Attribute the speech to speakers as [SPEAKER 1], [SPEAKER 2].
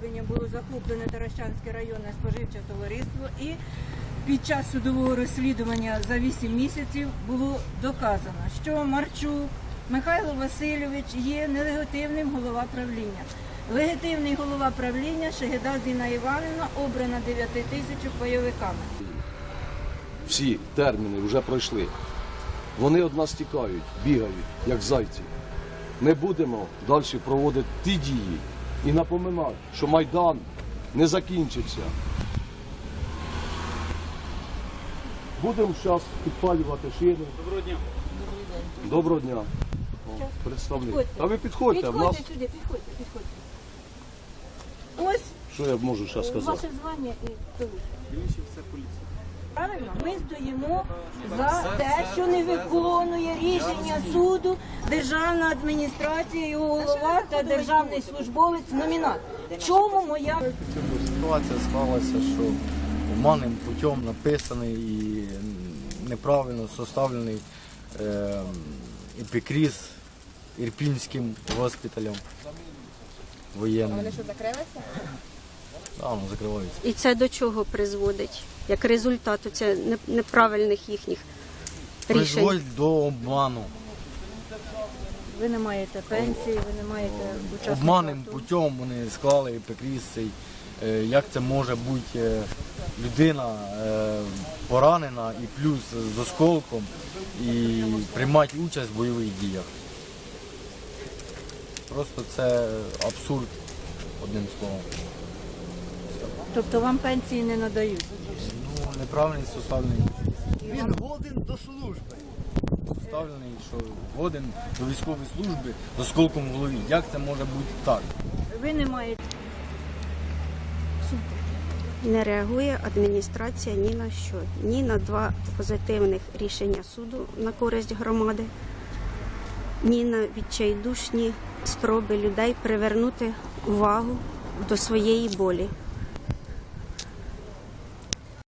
[SPEAKER 1] розслідування було захоплене Таращанське районне споживче товариство, і під час судового розслідування за 8 місяців було доказано, що Марчук Михайло Васильович є нелегітимним голова правління. Легітимний голова правління Шегеда Зіна Іванівна, обрана 9 тисяч бойовиками.
[SPEAKER 2] Всі терміни вже пройшли. Вони від нас тікають, бігають, як зайці. Ми будемо далі проводити ті дії і напоминати, що Майдан не закінчився. Будемо зараз підпалювати шини. Доброго дня. Доброго дня. О, представник. Та ви підходьте.
[SPEAKER 1] Підходьте сюди, підходьте. Ось
[SPEAKER 2] Що я можу зараз сказати?
[SPEAKER 1] ваше звання і хто ви. Правильно, ми стоїмо за те, що не виконує рішення суду державна адміністрація, його голова та державний службовець номінат. В чому моя...
[SPEAKER 3] Ситуація склалася, що обманним путем написаний і неправильно составлений епікриз Ірпінським госпіталем воєнним.
[SPEAKER 4] Вони що, закрилися?
[SPEAKER 3] Так, воно закривається.
[SPEAKER 5] І це до чого призводить? Як результат оце неправильних їхніх рішень?
[SPEAKER 3] Призводить до обману.
[SPEAKER 1] Ви не маєте пенсії, ви не маєте учасників.
[SPEAKER 3] Обманним путем вони склали епікриз цей. Як це може бути людина поранена і плюс з осколком і приймати участь в бойових діях. Просто це абсурд, одним словом.
[SPEAKER 1] Тобто вам пенсії не надають?
[SPEAKER 3] Ну, неправильний составлений.
[SPEAKER 6] Він годен до служби.
[SPEAKER 3] Составлений, що годен до військової служби з осколком в голові. Як це може бути так?
[SPEAKER 1] Ви не маєте...
[SPEAKER 5] Не реагує адміністрація ні на що. Ні на 2 позитивних рішення суду на користь громади, ні на відчайдушні спроби людей привернути увагу до своєї болі.